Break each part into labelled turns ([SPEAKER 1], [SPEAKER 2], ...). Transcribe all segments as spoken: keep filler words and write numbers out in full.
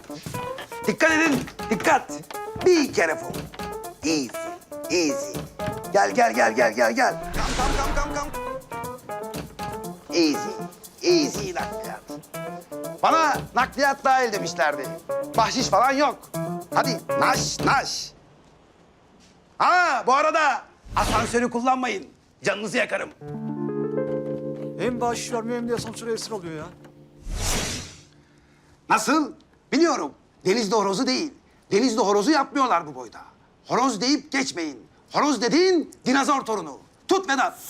[SPEAKER 1] Dikkat edin, dikkat. Be careful. Easy, easy. Gel, gel, gel, gel, gel, gel. Come, come, come, come, come. Easy, easy nakliyat. Bana nakliyat dahil demişlerdi. Bahşiş falan yok. Hadi naş, naş. Ha, bu arada asansörü kullanmayın. Canınızı yakarım.
[SPEAKER 2] Hem bahşiş vermiyor hem de asansöre esir alıyor ya.
[SPEAKER 1] Nasıl? Biliyorum. Denizli horozu değil. Denizli horozu yapmıyorlar bu boyda. Horoz deyip geçmeyin. Horoz dediğin dinozor torunu. Tut Vedat.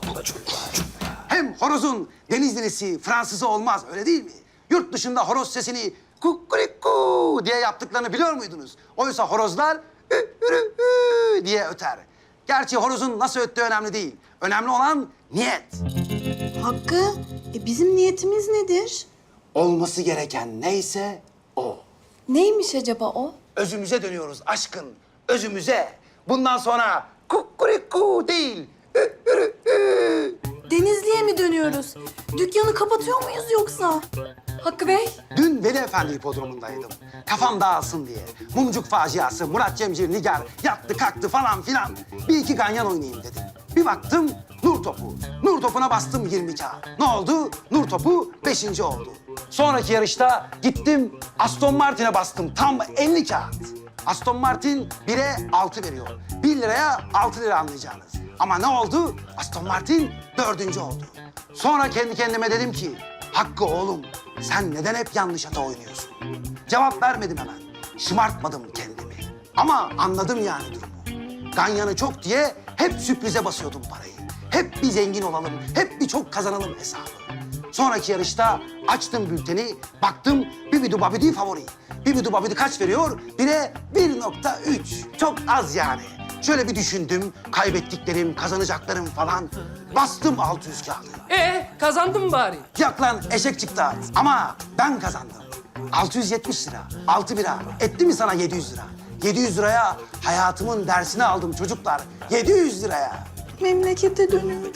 [SPEAKER 1] Hem horozun Denizlisi, Fransızı olmaz öyle değil mi? Yurt dışında horoz sesini kukuriku diye yaptıklarını biliyor muydunuz? Oysa horozlar ü, ürü, ü diye öter. Gerçi horozun nasıl öttüğü önemli değil. Önemli olan niyet.
[SPEAKER 3] Hakkı, e bizim niyetimiz nedir?
[SPEAKER 1] Olması gereken neyse o.
[SPEAKER 3] Neymiş acaba o?
[SPEAKER 1] Özümüze dönüyoruz aşkın, özümüze. Bundan sonra kukuriku değil, ü, ürü, ü.
[SPEAKER 3] Denizli'ye mi dönüyoruz? Dükkanı kapatıyor muyuz yoksa? Hakkı Bey,
[SPEAKER 1] Dün Veli Efendi hipodromundaydım. Kafam dağılsın diye. Mumcuk faciası, Murat Cemcir, Nigar yattı kalktı falan filan. Bir iki ganyan oynayayım dedim. Bir baktım nur topu. Nur topuna bastım yirmi kağıt. Ne oldu? Nur topu beşinci oldu. Sonraki yarışta gittim Aston Martin'e bastım tam elli kağıt. Aston Martin bire altı veriyor. Bir liraya altı lira anlayacağınız. Ama ne oldu? Aston Martin dördüncü oldu. Sonra kendi kendime dedim ki, Hakkı oğlum sen neden hep yanlış ata oynuyorsun? Cevap vermedim hemen. Şımartmadım kendimi. Ama anladım yani durumu. Ganyanı çok diye hep sürprize basıyordum parayı. Hep bir zengin olalım, hep bir çok kazanalım hesabı. Sonraki yarışta açtım bülteni, baktım Bibidu Babidi favori. Bibidu Babidi kaç veriyor? Bire bir nokta üç. Çok az yani. Şöyle bir düşündüm, kaybettiklerim, kazanacaklarım falan. Bastım altı yüz kağıdı.
[SPEAKER 4] Ee, kazandın mı bari?
[SPEAKER 1] Yok lan eşek çıktı ama ben kazandım. altı yüz yetmiş lira, altı bira. Etti mi sana yedi yüz lira? yedi yüz liraya hayatımın dersini aldım çocuklar. yedi yüz liraya.
[SPEAKER 3] memlekete dönüyoruz.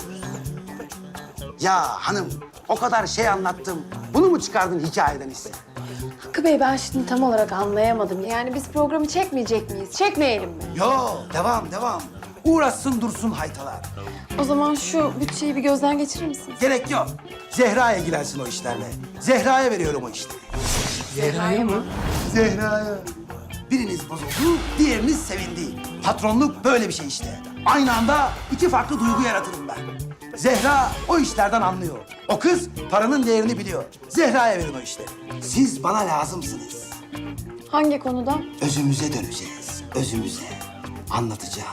[SPEAKER 1] Ya hanım o kadar şey anlattım. Bunu mu çıkardın hikayeden ise?
[SPEAKER 5] Hakkı Bey ben şimdi tam olarak anlayamadım. Yani biz programı çekmeyecek miyiz? Çekmeyelim mi?
[SPEAKER 1] Yo devam devam. Uğraşsın dursun haytalar.
[SPEAKER 5] O zaman şu bütçeyi bir gözden geçirir misiniz?
[SPEAKER 1] Gerek yok. Zehra'ya ilgilensin o işlerle. Zehra'ya veriyorum o işleri.
[SPEAKER 4] Zehra'ya mı?
[SPEAKER 1] Zehra'ya. Biriniz bozuldu, diğeriniz sevindi. Patronluk böyle bir şey işte. Aynı anda iki farklı duygu yaratırım ben. Zehra o işlerden anlıyor. O kız paranın değerini biliyor. Zehra'ya verin o işleri. Siz bana lazımsınız.
[SPEAKER 5] Hangi konuda?
[SPEAKER 1] Özümüze döneceğiz, özümüze. Anlatacağım.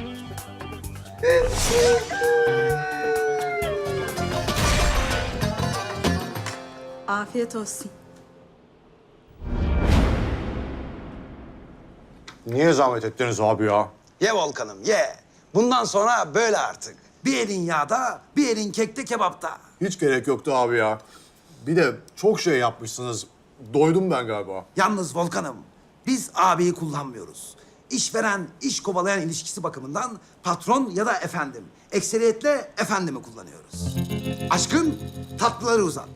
[SPEAKER 3] Afiyet olsun.
[SPEAKER 2] Niye zahmet ettiniz abi ya?
[SPEAKER 1] Ye Volkan'ım ye. Bundan sonra böyle artık. Bir elin yağda, bir elin kekte kebapta.
[SPEAKER 2] Hiç gerek yoktu abi ya. Bir de çok şey yapmışsınız. Doydum ben galiba.
[SPEAKER 1] Yalnız Volkan'ım, biz abiyi kullanmıyoruz. İşveren, iş kovalayan ilişkisi bakımından patron ya da efendim. Ekseriyetle efendimi kullanıyoruz. Aşkın tatlıları uzat.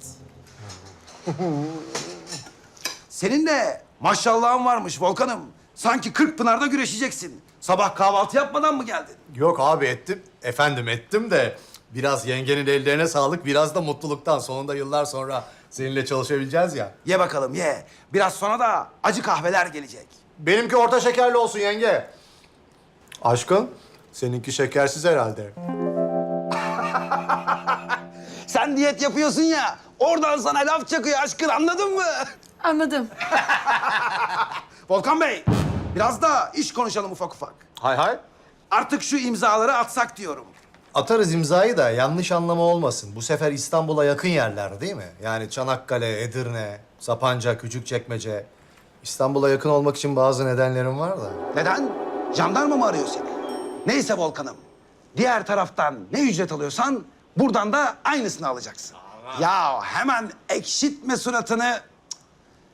[SPEAKER 1] Senin de maşallahın varmış Volkan'ım. Sanki kırk pınarda güreşeceksin. Sabah kahvaltı yapmadan mı geldin?
[SPEAKER 6] Yok abi ettim. Efendim ettim de biraz yengenin ellerine sağlık, biraz da mutluluktan. Sonunda yıllar sonra seninle çalışabileceğiz ya.
[SPEAKER 1] Ye bakalım ye. Biraz sonra da acı kahveler gelecek.
[SPEAKER 6] Benimki orta şekerli olsun yenge. Aşkın, seninki şekersiz herhalde.
[SPEAKER 1] Sen diyet yapıyorsun ya, oradan sana laf çakıyor aşkın anladın mı?
[SPEAKER 5] Anladım.
[SPEAKER 1] Volkan Bey, biraz da iş konuşalım ufak ufak.
[SPEAKER 6] Hay hay.
[SPEAKER 1] Artık şu imzaları atsak diyorum.
[SPEAKER 6] Atarız imzayı da yanlış anlama olmasın. Bu sefer İstanbul'a yakın yerler değil mi? Yani Çanakkale, Edirne, Sapanca, Küçükçekmece. İstanbul'a yakın olmak için bazı nedenlerim var da.
[SPEAKER 1] Neden? Jandarma mı arıyor seni? Neyse Volkan'ım, diğer taraftan ne ücret alıyorsan buradan da aynısını alacaksın. Ya hemen ekşitme suratını. Cık.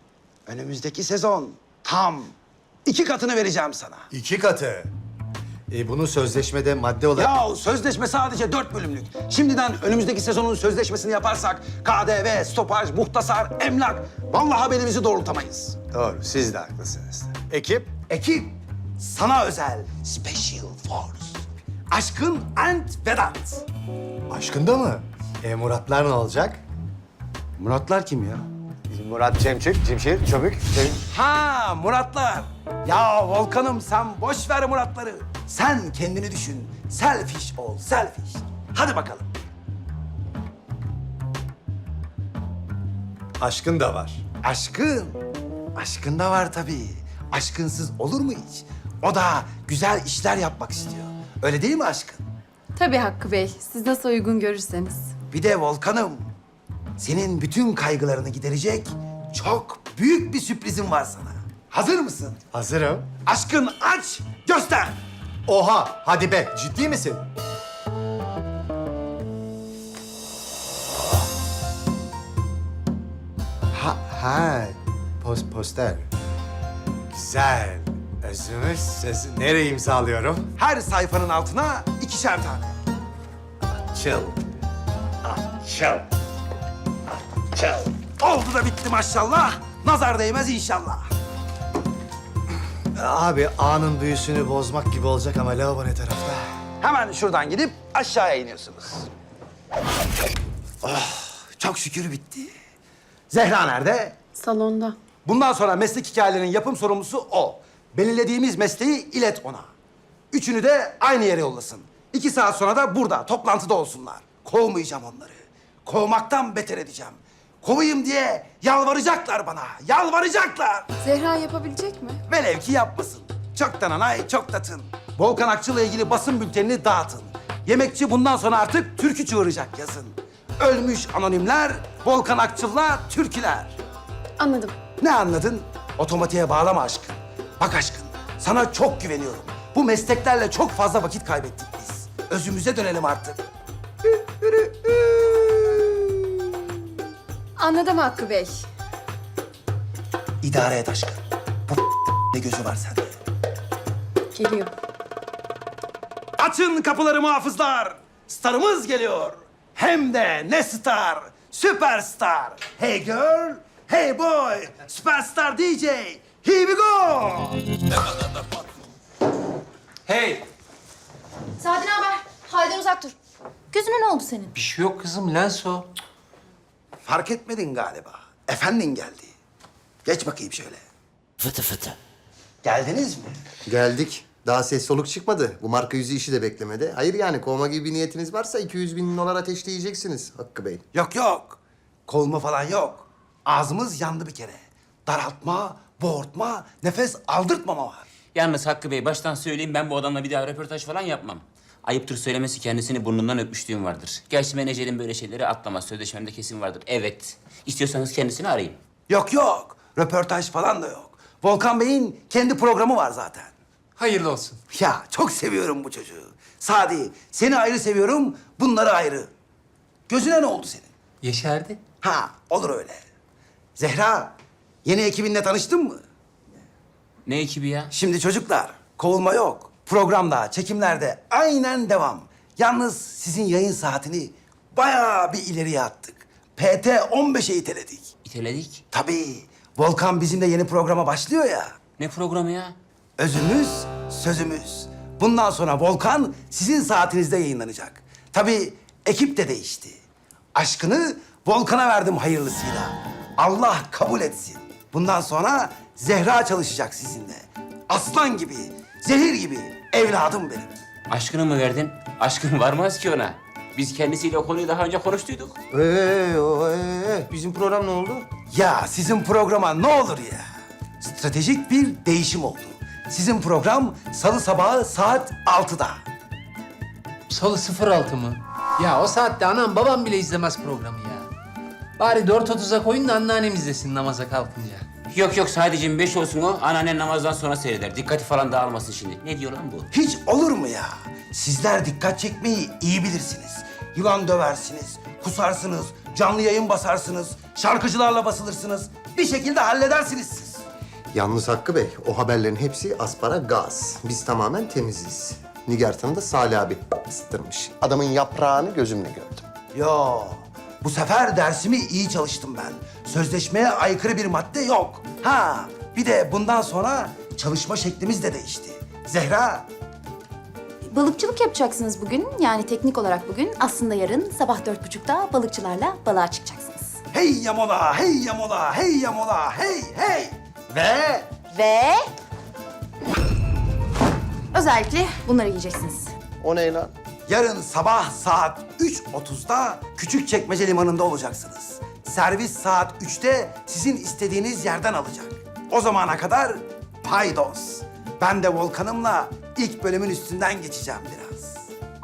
[SPEAKER 1] Önümüzdeki sezon tam iki katını vereceğim sana.
[SPEAKER 6] İki katı. E, bunu sözleşmede madde olarak...
[SPEAKER 1] Ya sözleşme sadece dört bölümlük. Şimdiden önümüzdeki sezonun sözleşmesini yaparsak K D V, stopaj, muhtasar, emlak... Vallahi belimizi doğrultamayız.
[SPEAKER 6] Doğru, siz de haklısınız. Ekip?
[SPEAKER 1] Ekip, sana özel Special Force. Aşkın and Vedat.
[SPEAKER 6] Aşkında mı? E, Muratlar ne olacak?
[SPEAKER 1] Muratlar kim ya?
[SPEAKER 6] Murat Cemçik, Cimşir, Çömük, Cem...
[SPEAKER 1] Ha Muratlar. Ya Volkan'ım sen boş ver Muratları. Sen kendini düşün. Selfish ol, selfish. Hadi bakalım.
[SPEAKER 6] Aşkın da var.
[SPEAKER 1] Aşkın. Aşkın da var tabii. Aşkınsız olur mu hiç? O da güzel işler yapmak istiyor. Öyle değil mi aşkın?
[SPEAKER 5] Tabii Hakkı Bey. Siz nasıl uygun görürseniz.
[SPEAKER 1] Bir de Volkan'ım. Senin bütün kaygılarını giderecek çok büyük bir sürprizim var sana. Hazır mısın?
[SPEAKER 6] Hazırım.
[SPEAKER 1] Aşkın aç, göster.
[SPEAKER 6] Oha, hadi be, ciddi misin? Ha, ha, post, poster. Güzel. Özümüz sözü nereye imzalıyorum?
[SPEAKER 1] Her sayfanın altına ikişer tane.
[SPEAKER 6] Çıl.
[SPEAKER 1] Çal. Çal. Oldu da bitti maşallah. Nazar değmez inşallah.
[SPEAKER 6] Abi anın büyüsünü bozmak gibi olacak ama lavabo ne tarafta?
[SPEAKER 1] Hemen şuradan gidip aşağıya iniyorsunuz. Oh, çok şükür bitti. Zehra nerede?
[SPEAKER 5] Salonda.
[SPEAKER 1] Bundan sonra meslek hikayelerinin yapım sorumlusu o. Belirlediğimiz mesleği ilet ona. Üçünü de aynı yere yollasın. İki saat sonra da burada, toplantıda olsunlar. Kovmayacağım onları. Kovmaktan beter edeceğim. Kovayım diye yalvaracaklar bana, yalvaracaklar.
[SPEAKER 5] Zehra yapabilecek mi?
[SPEAKER 1] Velev ki yapmasın. Çoktan anay, çok tatın. Volkan Akçıl'la ilgili basın bültenini dağıtın. Yemekçi bundan sonra artık türkü çığıracak yazın. Ölmüş anonimler, Volkan Akçıl'la türküler.
[SPEAKER 5] Anladım.
[SPEAKER 1] Ne anladın? Otomatiğe bağlama aşkın. Bak aşkın, sana çok güveniyorum. Bu mesleklerle çok fazla vakit kaybettik biz. Özümüze dönelim artık.
[SPEAKER 5] Anladım Hakkı Bey.
[SPEAKER 1] İdare et aşkın. Bu ne gözü var sende.
[SPEAKER 5] Geliyor.
[SPEAKER 1] Açın kapıları muhafızlar. Starımız geliyor. Hem de ne star? Süperstar. Hey girl, hey boy. Süperstar D J. Here we go.
[SPEAKER 4] Hey!
[SPEAKER 7] Sadi ne haber? Halden uzak dur. Gözüne ne oldu senin?
[SPEAKER 4] Bir şey yok kızım, lens o.
[SPEAKER 1] Fark etmedin galiba. Efendin geldi. Geç bakayım şöyle.
[SPEAKER 8] Fıtı fıtı.
[SPEAKER 1] Geldiniz mi?
[SPEAKER 9] Geldik. Daha ses soluk çıkmadı. Bu marka yüzü işi de beklemedi. Hayır yani kovma gibi bir niyetiniz varsa iki yüz bin dolar ateşleyeceksiniz Hakkı Bey.
[SPEAKER 1] Yok yok. Kovulma falan yok. Ağzımız yandı bir kere. Daraltma, boğurtma, nefes aldırtmama var.
[SPEAKER 8] Yalnız Hakkı Bey baştan söyleyeyim ben bu adamla bir daha röportaj falan yapmam. Ayıptır söylemesi kendisini burnundan öpmüşlüğüm vardır. Gerçi menajerin böyle şeyleri atlamaz. Sözleşmemde kesin vardır. Evet. İstiyorsanız kendisini arayın.
[SPEAKER 1] Yok yok. Röportaj falan da yok. Volkan Bey'in kendi programı var zaten.
[SPEAKER 4] Hayırlı olsun.
[SPEAKER 1] Ya çok seviyorum bu çocuğu. Sadi, seni ayrı seviyorum, bunları ayrı. Gözüne ne oldu senin?
[SPEAKER 4] Yeşerdi.
[SPEAKER 1] Ha, olur öyle. Zehra, yeni ekibinle tanıştın mı?
[SPEAKER 8] Ne ekibi ya?
[SPEAKER 1] Şimdi çocuklar, kovulma yok. Programda, çekimlerde aynen devam. Yalnız sizin yayın saatini bayağı bir ileriye attık. P T on beşe iteledik.
[SPEAKER 8] İteledik.
[SPEAKER 1] Tabii, Volkan bizimle yeni programa başlıyor ya.
[SPEAKER 8] Ne programı ya?
[SPEAKER 1] Özümüz, sözümüz. Bundan sonra Volkan sizin saatinizde yayınlanacak. Tabii ekip de değişti. Aşkını Volkan'a verdim hayırlısıyla. Allah kabul etsin. Bundan sonra Zehra çalışacak sizinle. Aslan gibi, zehir gibi evladım benim.
[SPEAKER 8] Aşkını mı verdin? Aşkın varmaz ki ona. Biz kendisiyle o konuyu daha önce konuştuyduk.
[SPEAKER 9] Ee, o, ee, bizim program ne oldu?
[SPEAKER 1] Ya sizin programa ne olur ya. Stratejik bir değişim oldu. Sizin program salı sabahı saat altıda.
[SPEAKER 4] Salı sıfır altı mı? Ya o saatte anam babam bile izlemez programı ya. Bari dört otuza koyun da anneannem izlesin namaza kalkınca.
[SPEAKER 8] Yok yok sadece beş olsun o. Anneannen namazdan sonra seyreder. Dikkati falan dağılmasın şimdi. Ne diyor lan bu?
[SPEAKER 1] Hiç olur mu ya? Sizler dikkat çekmeyi iyi bilirsiniz. Yılan döversiniz, kusarsınız, canlı yayın basarsınız, şarkıcılarla basılırsınız. Bir şekilde halledersiniz siz.
[SPEAKER 9] Yalnız Hakkı Bey, o haberlerin hepsi aspara gaz. Biz tamamen temiziz. Nigartan'ı da Salih abi ısıtırmış. Adamın yaprağını gözümle gördüm.
[SPEAKER 1] Yo, bu sefer dersimi iyi çalıştım ben. Sözleşmeye aykırı bir madde yok. Ha, bir de bundan sonra çalışma şeklimiz de değişti. Zehra,
[SPEAKER 7] Balıkçılık yapacaksınız bugün. Yani teknik olarak bugün. Aslında yarın sabah dört buçukta balıkçılarla balığa çıkacaksınız.
[SPEAKER 1] hey yamola, hey yamola, hey yamola, hey hey. Ve
[SPEAKER 7] Ve... Özellikle bunları yiyeceksiniz.
[SPEAKER 9] O ne lan?
[SPEAKER 1] yarın sabah saat üç otuzda Küçükçekmece Limanı'nda olacaksınız. Servis saat üçte sizin istediğiniz yerden alacak. O zamana kadar paydos. Ben de Volkan'ımla ilk bölümün üstünden geçeceğim biraz.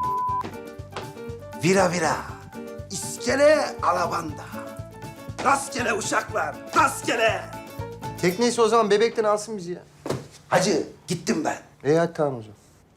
[SPEAKER 1] Vira vira, iskele alabanda. Rastgele uşaklar, rastgele.
[SPEAKER 9] Tekneyse o zaman bebekten alsın bizi ya.
[SPEAKER 1] Hacı, gittim ben.
[SPEAKER 9] İyi hadi tamam o zaman.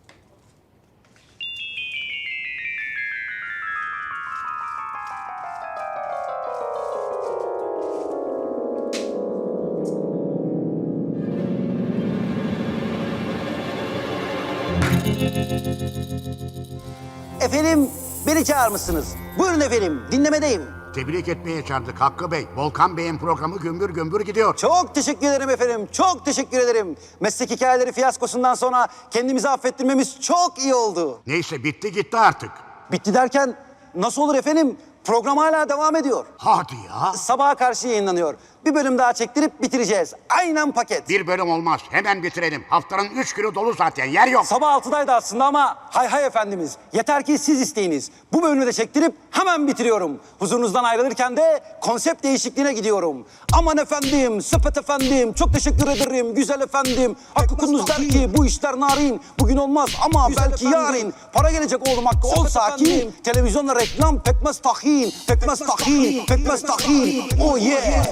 [SPEAKER 1] Efendim, beni çağırmışsınız. Buyurun efendim, dinlemedeyim.
[SPEAKER 10] Tebrik etmeye çağırdık Hakkı Bey. Volkan Bey'in programı gümbür gümbür gidiyor.
[SPEAKER 1] Çok teşekkür ederim efendim, çok teşekkür ederim. Meslek hikayeleri fiyaskosundan sonra kendimizi affettirmemiz çok iyi oldu.
[SPEAKER 10] Neyse bitti gitti artık.
[SPEAKER 1] Bitti derken nasıl olur efendim? Program hala devam ediyor.
[SPEAKER 10] Hadi ya.
[SPEAKER 1] Sabaha karşı yayınlanıyor. Bir bölüm daha çektirip bitireceğiz. Aynen paket.
[SPEAKER 10] Bir bölüm olmaz. Hemen bitirelim. Haftanın üç günü dolu zaten. Yer yok.
[SPEAKER 1] Sabah altıdaydı aslında ama hay hay efendimiz. Yeter ki siz isteyiniz. Bu bölümü de çektirip hemen bitiriyorum. Huzurunuzdan ayrılırken de konsept değişikliğine gidiyorum. Aman efendim, sepet efendim, çok teşekkür ederim. Güzel efendim. Hakkı Kunduz der ki bu işler narin. Bugün olmaz ama belki yarın. Para gelecek oğlum Hakkı, ol sakin. Televizyonla reklam pekmez tahin. Pekmez tahin, pekmez tahin. Oh yeah.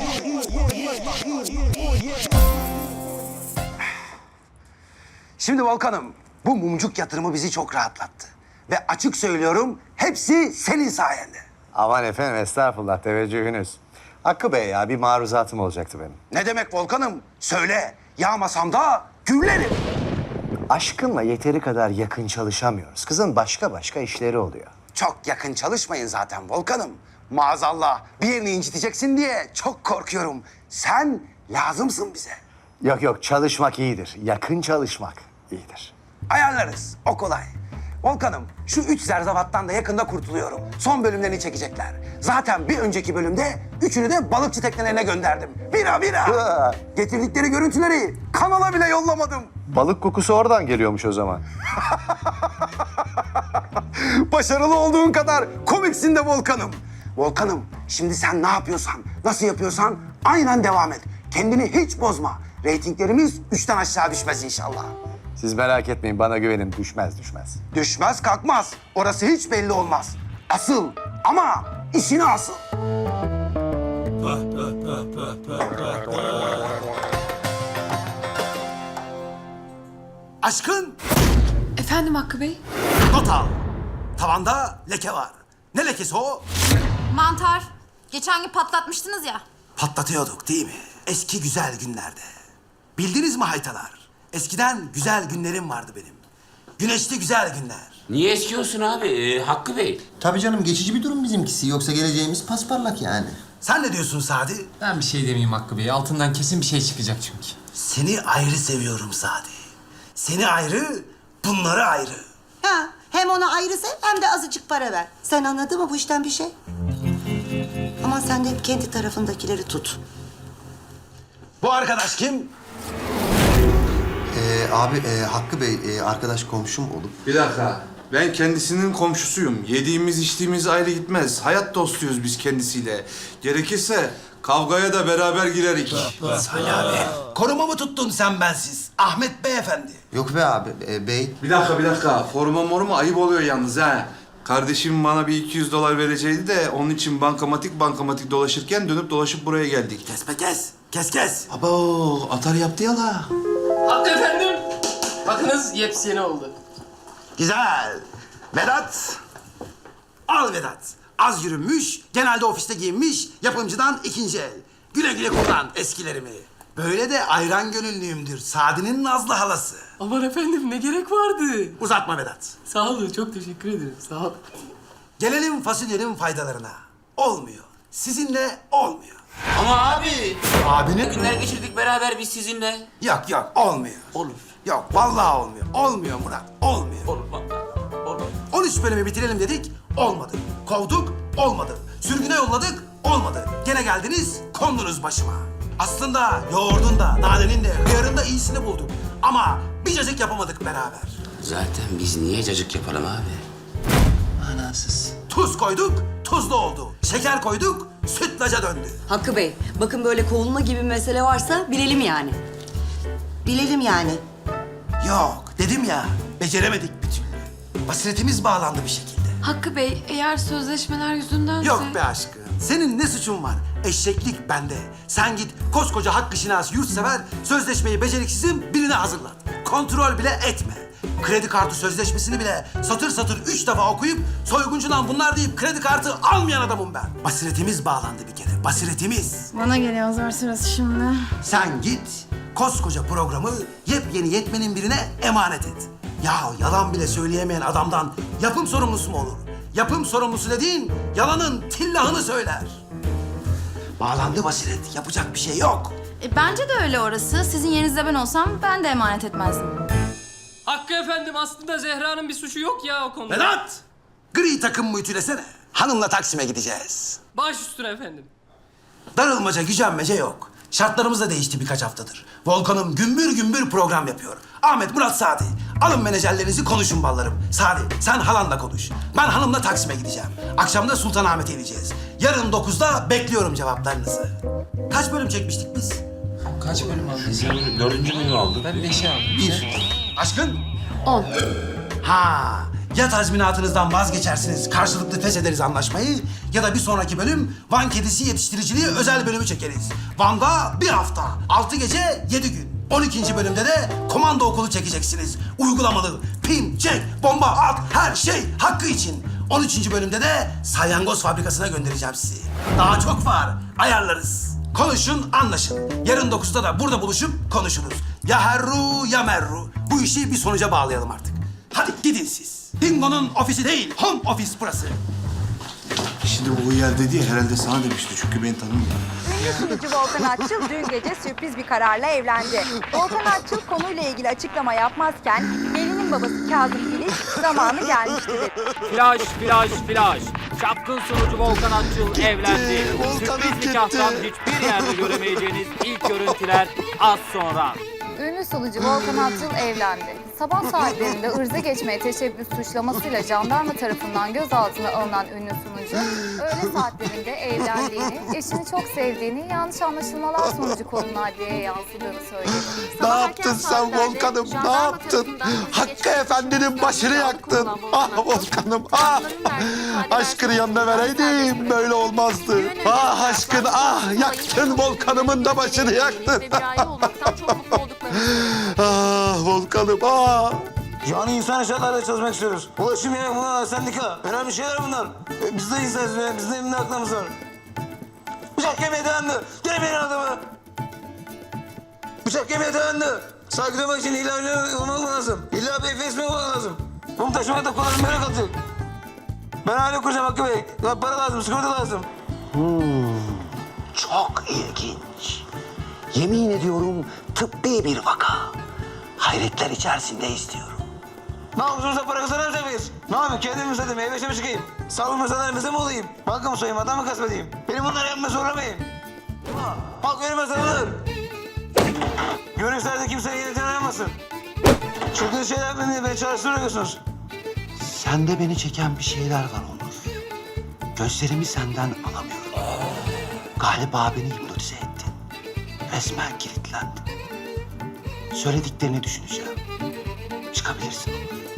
[SPEAKER 1] Şimdi Volkan'ım, bu mumcuk yatırımı bizi çok rahatlattı. Ve açık söylüyorum, hepsi senin sayende.
[SPEAKER 6] Aman efendim estağfurullah teveccühünüz. Hakkı Bey ya bir maruzatım olacaktı benim.
[SPEAKER 1] Ne demek Volkan'ım? Söyle, yağmasam da güllerim.
[SPEAKER 6] Aşkınla yeteri kadar yakın çalışamıyoruz. Kızın başka başka işleri oluyor.
[SPEAKER 1] Çok yakın çalışmayın zaten Volkan'ım. Maazallah bir yerini inciteceksin diye çok korkuyorum. Sen lazımsın bize.
[SPEAKER 6] Yok yok çalışmak iyidir. Yakın çalışmak iyidir.
[SPEAKER 1] Ayarlarız, o kolay. Volkan'ım, şu üç zerzavattan da yakında kurtuluyorum. Son bölümlerini çekecekler. Zaten bir önceki bölümde üçünü de balıkçı teknelerine gönderdim. Bira bira.
[SPEAKER 6] Hı.
[SPEAKER 1] Getirdikleri görüntüleri kanala bile yollamadım.
[SPEAKER 6] Balık kokusu oradan geliyormuş o zaman.
[SPEAKER 1] Başarılı olduğun kadar komiksin de Volkan'ım. Volkan'ım, şimdi sen ne yapıyorsan, nasıl yapıyorsan aynen devam et. Kendini hiç bozma. Reytinglerimiz üçten aşağı düşmez inşallah.
[SPEAKER 6] Siz merak etmeyin bana güvenin düşmez düşmez.
[SPEAKER 1] Düşmez kalkmaz. Orası hiç belli olmaz. Asıl ama işine asıl. Aşkın
[SPEAKER 3] Efendim Hakkı Bey?
[SPEAKER 1] not al. Tavanda leke var. Ne lekesi o?
[SPEAKER 7] Mantar. Geçen gün patlatmıştınız ya.
[SPEAKER 1] Patlatıyorduk değil mi? Eski güzel günlerde. Bildiniz mi haytalar? Eskiden güzel günlerim vardı benim. Güneşli güzel günler.
[SPEAKER 8] Niye eski olsun abi ee, Hakkı Bey?
[SPEAKER 9] Tabii canım geçici bir durum bizimkisi. Yoksa geleceğimiz pasparlak yani.
[SPEAKER 1] Sen ne diyorsun Sadi?
[SPEAKER 4] Ben bir şey demeyeyim Hakkı Bey. Altından kesin bir şey çıkacak çünkü.
[SPEAKER 1] Seni ayrı seviyorum Sadi. Seni ayrı, bunları ayrı.
[SPEAKER 11] Ha, hem ona ayrı sev hem de azıcık para ver. Sen anladın mı bu işten bir şey? Ama sen de hep kendi tarafındakileri tut.
[SPEAKER 1] Bu arkadaş kim?
[SPEAKER 9] Ee, abi e, Hakkı Bey e, arkadaş komşum olup.
[SPEAKER 12] Bir dakika. Ben kendisinin komşusuyum. Yediğimiz içtiğimiz ayrı gitmez. Hayat dostuyuz biz kendisiyle. Gerekirse kavgaya da beraber girerik.
[SPEAKER 1] Salih abi. Koruma mı tuttun sen bensiz? Ahmet Beyefendi.
[SPEAKER 9] Yok be abi e, bey.
[SPEAKER 12] Bir dakika bir dakika. Forma morma ayıp oluyor yalnız ha. Kardeşim bana bir iki yüz dolar verecekti de onun için bankamatik bankamatik dolaşırken dönüp dolaşıp buraya geldik.
[SPEAKER 1] Kes be kes. Kes kes.
[SPEAKER 12] Abo atar yaptı ya la.
[SPEAKER 13] Hakkı efendim. Bakınız yepyeni oldu.
[SPEAKER 1] Güzel. Vedat. Al Vedat. Az yürünmüş, genelde ofiste giyinmiş, yapımcıdan ikinci el. Güle güle kullan eskilerimi. Böyle de ayran gönüllüyümdür. Sadi'nin Nazlı halası.
[SPEAKER 13] Aman efendim ne gerek vardı?
[SPEAKER 1] Uzatma Vedat.
[SPEAKER 13] Sağ olun çok teşekkür ederim sağ ol.
[SPEAKER 1] Gelelim fasulyenin faydalarına. Olmuyor. Sizinle olmuyor.
[SPEAKER 8] Ama abi.
[SPEAKER 1] Abinin...
[SPEAKER 8] Günler geçirdik beraber biz sizinle.
[SPEAKER 1] Yok yok olmuyor.
[SPEAKER 8] Olur.
[SPEAKER 1] Yok vallahi olmuyor. Olmuyor Murat. Olmuyor.
[SPEAKER 8] Olur vallahi. Olur.
[SPEAKER 1] on üç bölümü bitirelim dedik. Olmadı. Kovduk. Olmadı. Sürgüne yolladık. Olmadı. Gene geldiniz. Kondunuz başıma. Aslında yoğurdun da, nanenin de, hıyarın da iyisini bulduk. Ama bir cacık yapamadık beraber.
[SPEAKER 8] Zaten biz niye cacık yapalım abi? Manasız.
[SPEAKER 1] Tuz koyduk, tuzlu oldu. Şeker koyduk, sütlaca döndü.
[SPEAKER 11] Hakkı Bey, bakın böyle kovulma gibi bir mesele varsa bilelim yani. Bilelim yani.
[SPEAKER 1] Yok, dedim ya, beceremedik bir türlü. Basiretimiz bağlandı bir şekilde.
[SPEAKER 3] Hakkı Bey, eğer sözleşmeler yüzündense...
[SPEAKER 1] Yok be aşkım, senin ne suçun var? Eşeklik bende. Sen git koskoca Hakkı Şinas yurtsever, sözleşmeyi beceriksizin birine hazırlat. Kontrol bile etme. Kredi kartı sözleşmesini bile satır satır üç defa okuyup soyguncudan bunlar deyip kredi kartı almayan adamım ben. Basiretimiz bağlandı bir kere, basiretimiz.
[SPEAKER 3] Bana geliyor zor sırası şimdi.
[SPEAKER 1] Sen git, koskoca programı yepyeni yetmenin birine emanet et. Ya yalan bile söyleyemeyen adamdan yapım sorumlusu mu olur? Yapım sorumlusu dediğin yalanın tillahını söyler. Bağlandı basiret, yapacak bir şey yok.
[SPEAKER 7] E, bence de öyle orası. Sizin yerinizde ben olsam ben de emanet etmezdim.
[SPEAKER 13] Hakkı efendim aslında Zehra'nın bir suçu yok ya o konuda.
[SPEAKER 1] Vedat! Gri takım ütülesene. Hanımla Taksim'e gideceğiz.
[SPEAKER 13] Baş üstüne efendim.
[SPEAKER 1] Darılmaca, gücenmece yok. Şartlarımız da değişti birkaç haftadır. Volkan'ım gümbür gümbür program yapıyor. Ahmet, Murat, Sadi. Alın menajerlerinizi konuşun ballarım. Sadi, sen halanla konuş. Ben hanımla Taksim'e gideceğim. Akşam da Sultanahmet'e ineceğiz. Yarın dokuzda bekliyorum cevaplarınızı. Kaç bölüm çekmiştik biz?
[SPEAKER 4] Kaç bölüm aldınız ya?
[SPEAKER 8] Dördüncü bölümü aldık.
[SPEAKER 4] Ben beşi aldım.
[SPEAKER 1] Bir. Aşkın?
[SPEAKER 5] On.
[SPEAKER 1] Ha, ya tazminatınızdan vazgeçersiniz, karşılıklı feshederiz anlaşmayı ya da bir sonraki bölüm Van kedisi yetiştiriciliği özel bölümü çekeriz. Van'da bir hafta, altı gece, yedi gün. on ikinci bölümde de komando okulu çekeceksiniz. Uygulamalı, pin, çek, bomba, at, her şey hakkı için. on üçüncü bölümde de salyangoz fabrikasına göndereceğim sizi. Daha çok var, ayarlarız. Konuşun, anlaşın. Yarın dokuzda da burada buluşup konuşuruz. Ya herru ya merru. Bu işi bir sonuca bağlayalım artık. Hadi gidin siz. Dingo'nun ofisi değil, home office burası.
[SPEAKER 12] Şimdi bu yer dedi ya herhalde sana demişti çünkü beni tanımıyor.
[SPEAKER 14] Ünlü sunucu Volkan Atçıl dün gece sürpriz bir kararla evlendi. Volkan Atçıl konuyla ilgili açıklama yapmazken gelinin babası Kazım Filiz zamanı gelmişti dedi.
[SPEAKER 15] Flash, flash, flash. Çapkın sunucu Volkan Atçıl evlendi. Sürpriz nikahtan hiçbir yerde göremeyeceğiniz ilk görüntüler az sonra.
[SPEAKER 14] Ünlü sunucu Volkan Atçıl evlendi. Sabah saatlerinde ırza geçmeye teşebbüs suçlamasıyla jandarma tarafından gözaltına alınan ünlü sunucu, öğle saatlerinde evlendiğini, eşini çok sevdiğini, yanlış anlaşılmalar sonucu konunun adliyeye yansıdığını söyledi.
[SPEAKER 9] Ne yaptın sen Volkan'ım, ne yaptın? Hakkı Efendi'nin başını yaktın. Ah Volkan'ım, ah! Aşkını yanına vereydim, böyle olmazdı. Ah aşkın, ah! Yaktın Volkan'ımın da başını yaktın. Ah Volkan'ım, ah!
[SPEAKER 1] Yani insan şartlarda çalışmak istiyoruz. Ulaşım ya, bunlar sendika. Önemli şeyler bunlar. E, biz de insanız ya, biz de emni aklımız var. Bıçak yemeye dayandı. Gene benim adamı. Bıçak yemeye dayandı. Saygı duymak için illa öyle olmak lazım. İlla bir efes mi olmak lazım? Bunu taşımak da kullanım böyle kalacak. Ben aile kuracağım Hakkı Bey. Ya para lazım, sigorta lazım. Hmm, çok ilginç. Yemin ediyorum tıbbi bir vaka. Hayretler içerisinde istiyorum. Ne yapıyorsunuz, para kazanamayacak mıyız? Ne yapayım, kendim mi satayım, meyve mi çıkayım? Sağlık meselelerimizde mi olayım? Banka mı soyayım, adam mı gasp edeyim? Benim bunları yapmaya zorlamayın. Halk vermez tanınır. Görüşlerde kimsenin yeniden aramasın. Çılgın şeyler yapmayın, beni çalıştırıyorsunuz. Sende beni çeken bir şeyler var Onur. Gözlerimi senden alamıyorum. Galiba beni hipnotize ettin. Resmen kilitlendim. Söylediklerini düşüneceğim. Çıkabilirsin.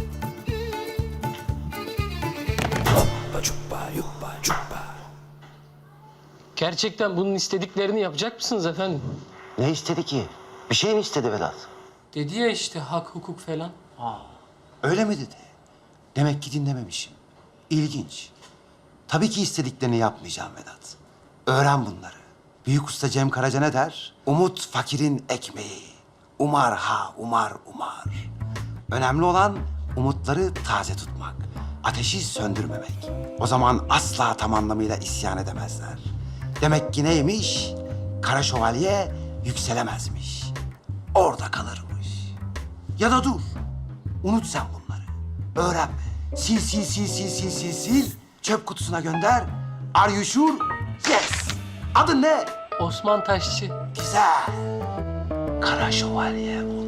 [SPEAKER 13] Gerçekten bunun istediklerini yapacak mısınız efendim?
[SPEAKER 1] Ne istedi ki? Bir şey mi istedi Vedat?
[SPEAKER 13] Dedi ya işte hak, hukuk falan.
[SPEAKER 1] Öyle mi dedi? Demek ki dinlememişim. İlginç. Tabii ki istediklerini yapmayacağım Vedat. Öğren bunları. Büyük usta Cem Karaca ne der? Umut fakirin ekmeği. Umar ha umar umar. Önemli olan umutları taze tutmak. Ateşi söndürmemek. O zaman asla tam anlamıyla isyan edemezler. Demek ki neymiş? Kara şövalye yükselemezmiş. Orada kalırmış. Ya da dur. Unut sen bunları. Öğrenme. Sil sil sil sil sil sil sil. Çöp kutusuna gönder. Are you sure? Yes. Adın ne?
[SPEAKER 13] Osman Taşçı.
[SPEAKER 1] Güzel. Kara şövalye onu.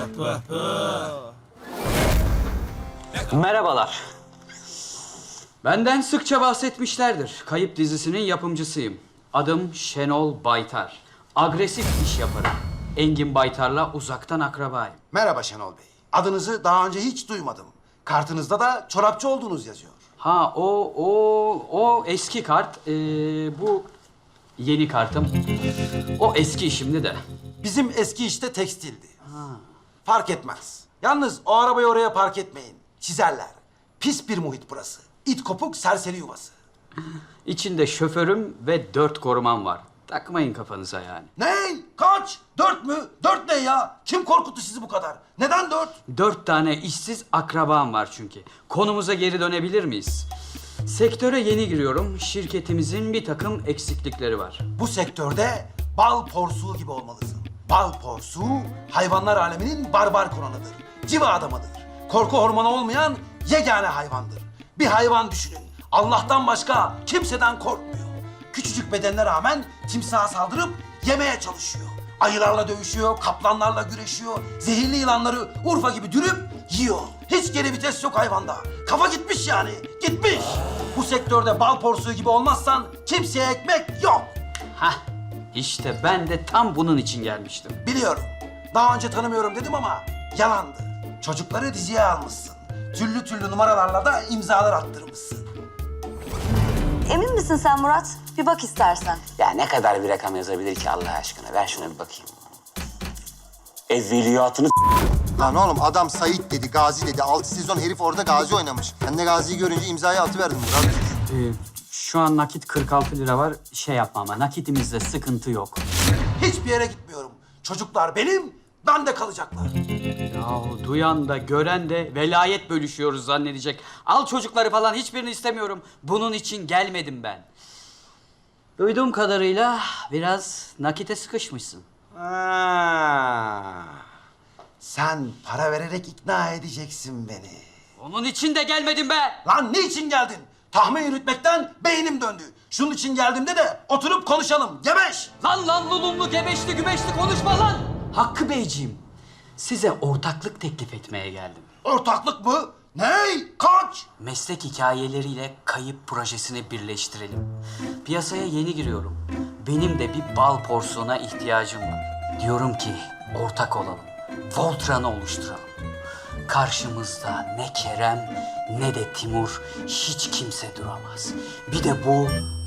[SPEAKER 16] Merhabalar. Benden sıkça bahsetmişlerdir. Kayıp dizisinin yapımcısıyım. Adım Şenol Baytar. Agresif iş yaparım. Engin Baytar'la uzaktan akrabayım.
[SPEAKER 1] Merhaba Şenol Bey. Adınızı daha önce hiç duymadım. Kartınızda da çorapçı olduğunuz yazıyor.
[SPEAKER 16] Ha o o o eski kart. Ee, bu yeni kartım. O eski şimdi de.
[SPEAKER 1] Bizim eski işte tekstildi. Fark etmez. Yalnız o arabayı oraya park etmeyin. Çizerler. Pis bir muhit burası. İt kopuk serseri yuvası.
[SPEAKER 16] İçinde şoförüm ve dört korumam var. Takmayın kafanıza yani.
[SPEAKER 1] Ne? Kaç? Dört mü? Dört ne ya? Kim korkuttu sizi bu kadar? Neden dört?
[SPEAKER 16] Dört tane işsiz akrabam var çünkü. Konumuza geri dönebilir miyiz? Sektöre yeni giriyorum. Şirketimizin bir takım eksiklikleri var.
[SPEAKER 1] Bu sektörde bal porsuğu gibi olmalısın. Bal porsuğu hayvanlar aleminin barbar konanıdır. Civa adamıdır. Korku hormonu olmayan yegane hayvandır. Bir hayvan düşünün. Allah'tan başka kimseden korkmuyor. Küçücük bedenine rağmen timsaha saldırıp yemeye çalışıyor. Ayılarla dövüşüyor, kaplanlarla güreşiyor. Zehirli yılanları Urfa gibi dürüp yiyor. Hiç geri vites yok hayvanda. Kafa gitmiş yani, gitmiş. Bu sektörde bal porsuğu gibi olmazsan kimseye ekmek yok.
[SPEAKER 16] Hah, işte ben de tam bunun için gelmiştim.
[SPEAKER 1] Biliyorum. Daha önce tanımıyorum dedim ama yalandı. Çocukları diziye almışsın. Türlü türlü numaralarla da imzalar attırmışsın.
[SPEAKER 11] Emin misin sen Murat? Bir bak istersen.
[SPEAKER 8] Ya ne kadar bir rakam yazabilir ki Allah aşkına? Ver şuna bir bakayım. Evveliyatını
[SPEAKER 6] Lan oğlum adam Sait dedi, Gazi dedi. Altı sezon herif orada Gazi oynamış. Ben de Gazi'yi görünce imzayı atıverdim Murat.
[SPEAKER 16] Ee, şu an nakit kırk altı lira var. Şey yapma ama nakitimizde sıkıntı yok.
[SPEAKER 1] Hiçbir yere gitmiyorum. Çocuklar benim, ben de kalacaklar.
[SPEAKER 16] Ya duyan da gören de velayet bölüşüyoruz zannedecek. Al çocukları falan hiçbirini istemiyorum. Bunun için gelmedim ben. Duyduğum kadarıyla biraz nakite sıkışmışsın.
[SPEAKER 1] Ha. Sen para vererek ikna edeceksin beni.
[SPEAKER 16] Onun için de gelmedim be.
[SPEAKER 1] Lan niçin geldin? Tahmin yürütmekten beynim döndü. Şunun için geldiğimde de oturup konuşalım. Gebeş!
[SPEAKER 16] Lan lan lulumlu gebeşli gübeşli konuşma lan. Hakkı Beyciğim, size ortaklık teklif etmeye geldim.
[SPEAKER 1] Ortaklık mı? Ney? Kaç?
[SPEAKER 16] Meslek hikayeleriyle kayıp projesini birleştirelim. Piyasaya yeni giriyorum. Benim de bir bal porsuğuna ihtiyacım var. Diyorum ki ortak olalım. Voltran'ı oluşturalım. Karşımızda ne Kerem ne de Timur, hiç kimse duramaz. Bir de bu...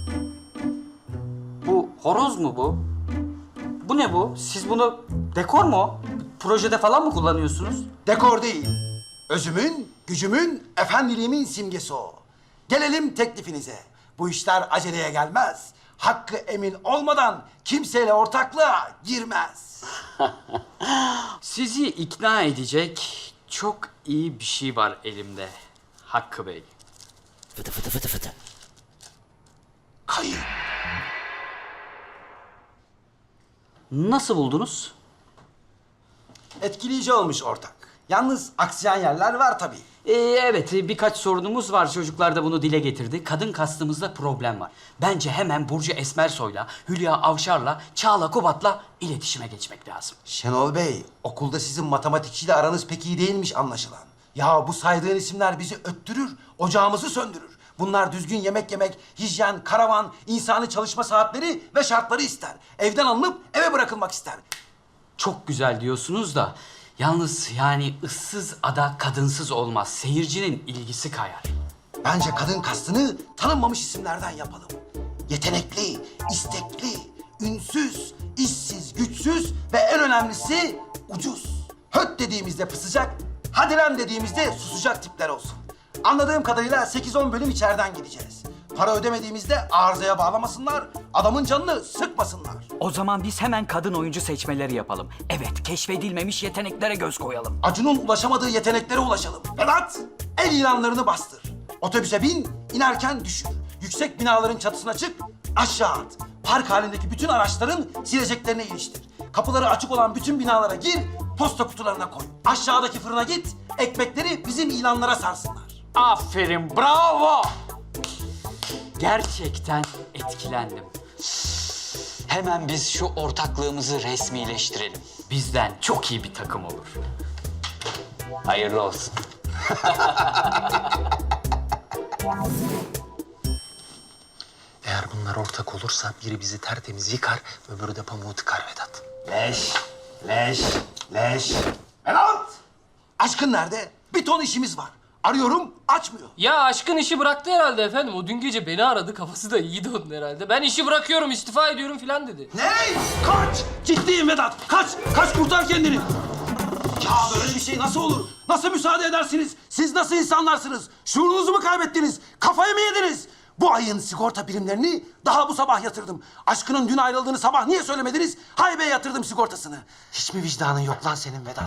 [SPEAKER 16] Bu horoz mu bu? Bu ne bu? Siz bunu dekor mu? Projede falan mı kullanıyorsunuz?
[SPEAKER 1] Dekor değil. Özümün, gücümün, efendiliğimin simgesi o. Gelelim teklifinize. Bu işler aceleye gelmez. Hakkı emin olmadan kimseyle ortaklığa girmez.
[SPEAKER 16] Sizi ikna edecek çok iyi bir şey var elimde Hakkı Bey.
[SPEAKER 8] Fıtı fıtı fıtı fıtı.
[SPEAKER 1] Kayıp.
[SPEAKER 16] Nasıl buldunuz?
[SPEAKER 1] Etkileyici olmuş ortak. Yalnız aksayan yerler var tabii.
[SPEAKER 16] Ee, evet, birkaç sorunumuz var. Çocuklar da bunu dile getirdi. Kadın kastımızda problem var. Bence hemen Burcu Esmersoy'la, Hülya Avşar'la, Çağla Kubat'la iletişime geçmek lazım.
[SPEAKER 1] Şenol Bey, okulda sizin matematikçiyle aranız pek iyi değilmiş anlaşılan. Ya bu saydığın isimler bizi öttürür, ocağımızı söndürür. Bunlar düzgün yemek yemek, hijyen, karavan, insani çalışma saatleri ve şartları ister. Evden alınıp eve bırakılmak ister.
[SPEAKER 16] Çok güzel diyorsunuz da yalnız yani ıssız ada kadınsız olmaz. Seyircinin ilgisi kayar.
[SPEAKER 1] Bence kadın kastını tanınmamış isimlerden yapalım. Yetenekli, istekli, ünsüz, işsiz, güçsüz ve en önemlisi ucuz. Höt dediğimizde pısacak, hadi lan dediğimizde susacak tipler olsun. Anladığım kadarıyla sekiz on bölüm içeriden gideceğiz. Para ödemediğimizde arızaya bağlamasınlar, adamın canını sıkmasınlar.
[SPEAKER 16] O zaman biz hemen kadın oyuncu seçmeleri yapalım. Evet, keşfedilmemiş yeteneklere göz koyalım.
[SPEAKER 1] Acun'un ulaşamadığı yeteneklere ulaşalım. Vedat, el ilanlarını bastır. Otobüse bin, inerken düşür. Yüksek binaların çatısına çık, aşağı at. Park halindeki bütün araçların sileceklerine iliştir. Kapıları açık olan bütün binalara gir, posta kutularına koy. Aşağıdaki fırına git, ekmekleri bizim ilanlara sarsınlar.
[SPEAKER 16] Aferin, bravo! Gerçekten etkilendim. Hemen biz şu ortaklığımızı resmileştirelim. Bizden çok iyi bir takım olur. Hayırlı olsun.
[SPEAKER 4] Eğer bunlar ortak olursa biri bizi tertemiz yıkar, öbürü de pamuğu tıkar Vedat.
[SPEAKER 1] Leş, leş, leş. Vedat! Aşkın nerede? Bir ton işimiz var. Arıyorum, açmıyor.
[SPEAKER 13] Ya aşkın işi bıraktı herhalde efendim. O dün gece beni aradı. Kafası da iyiydi onun herhalde. Ben işi bırakıyorum, istifa ediyorum falan dedi.
[SPEAKER 1] Ne? Kaç! Ciddiyim Vedat. Kaç! Kaç kurtar kendini. Ya böyle bir şey nasıl olur? Nasıl müsaade edersiniz? Siz nasıl insanlarsınız? Şuurunuzu mu kaybettiniz? Kafayı mı yediniz? Bu ayın sigorta primlerini daha bu sabah yatırdım. Aşkının dün ayrıldığını sabah niye söylemediniz? Haybe'ye yatırdım sigortasını. Hiç mi vicdanın yok lan senin Vedat?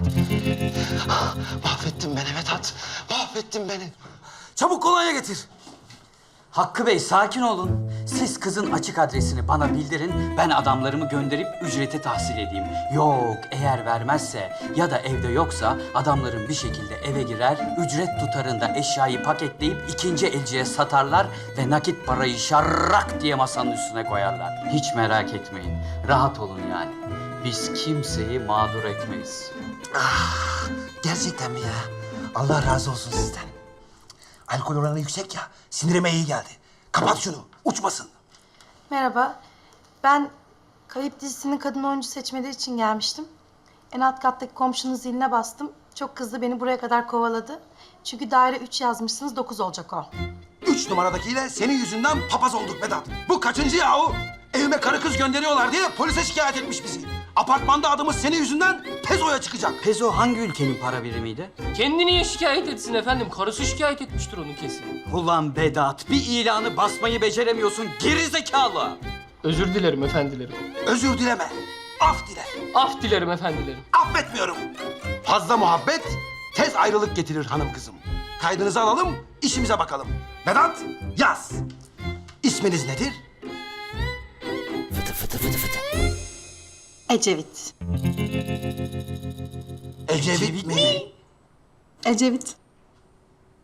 [SPEAKER 1] Mahvettin beni Vedat. Mahvettin beni. Çabuk kolonya getir.
[SPEAKER 16] Hakkı Bey sakin olun. Siz kızın açık adresini bana bildirin. Ben adamlarımı gönderip ücreti tahsil edeyim. Yok eğer vermezse ya da evde yoksa adamlarım bir şekilde eve girer. Ücret tutarında eşyayı paketleyip ikinci elciye satarlar ve nakit parayı şarrak diye masanın üstüne koyarlar. Hiç merak etmeyin. Rahat olun yani. Biz kimseyi mağdur etmeyiz.
[SPEAKER 1] Ah, gerçekten mi ya? Allah razı olsun sizden. Alkol oranı yüksek ya, sinirime iyi geldi. Kapat şunu, uçmasın.
[SPEAKER 3] Merhaba. Ben Kayıp dizisinin kadın oyuncu seçmeleri için gelmiştim. En alt kattaki komşunun ziline bastım. Çok kızdı, beni buraya kadar kovaladı. Çünkü daire üç yazmışsınız, dokuz olacak o.
[SPEAKER 1] Üç numaradakiyle senin yüzünden papaz olduk Vedat. Bu kaçıncı yahu? Evime karı kız gönderiyorlar diye polise şikayet etmiş bizi. Apartmanda adımız senin yüzünden Pezo'ya çıkacak.
[SPEAKER 16] Pezo hangi ülkenin para birimiydi?
[SPEAKER 13] Kendi niye şikayet etsin efendim? Karısı şikayet etmiştir onun kesin.
[SPEAKER 16] Ulan Vedat, bir ilanı basmayı beceremiyorsun gerizekalı.
[SPEAKER 13] Özür dilerim efendilerim.
[SPEAKER 1] Özür dileme, af dile.
[SPEAKER 13] Af dilerim efendilerim.
[SPEAKER 1] Affetmiyorum. Fazla muhabbet tez ayrılık getirir hanım kızım. Kaydınızı alalım, işimize bakalım. Vedat, yaz. İsminiz nedir?
[SPEAKER 16] Fıtı fıtı fıtı fıtı.
[SPEAKER 3] Ecevit.
[SPEAKER 1] Ecevit mi?
[SPEAKER 3] Ecevit.